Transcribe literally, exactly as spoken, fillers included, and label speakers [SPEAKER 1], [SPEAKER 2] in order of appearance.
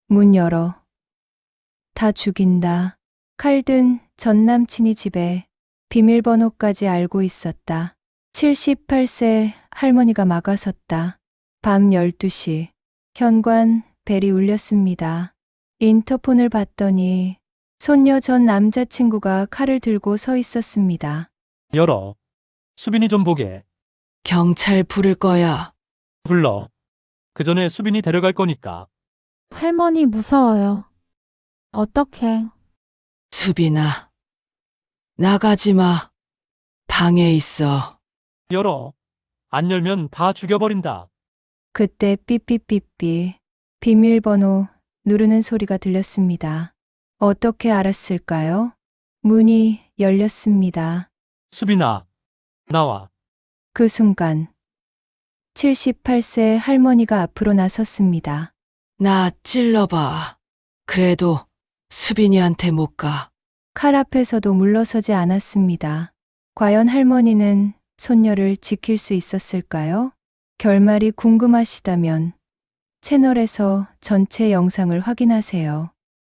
[SPEAKER 1] 문 열어. 다 죽인다. 칼든 전 남친이 집에 비밀번호까지 알고 있었다. 칠십팔 세 할머니가 막아섰다. 밤 열두 시. 현관 벨이 울렸습니다. 인터폰을 봤더니 손녀 전 남자친구가 칼을 들고 서 있었습니다.
[SPEAKER 2] 열어. 수빈이 좀 보게.
[SPEAKER 3] 경찰 부를 거야.
[SPEAKER 2] 불러. 그 전에 수빈이 데려갈 거니까.
[SPEAKER 4] 할머니 무서워요. 어떡해.
[SPEAKER 3] 수빈아, 나가지 마. 방에 있어.
[SPEAKER 2] 열어. 안 열면 다 죽여버린다.
[SPEAKER 1] 그때 삐삐삐삐 비밀번호 누르는 소리가 들렸습니다. 어떻게 알았을까요? 문이 열렸습니다.
[SPEAKER 2] 수빈아, 나와.
[SPEAKER 1] 그 순간 칠십팔 세 할머니가 앞으로 나섰습니다.
[SPEAKER 3] 나 찔러봐. 그래도 수빈이한테 못 가.
[SPEAKER 1] 칼 앞에서도 물러서지 않았습니다. 과연 할머니는 손녀를 지킬 수 있었을까요? 결말이 궁금하시다면 채널에서 전체 영상을 확인하세요.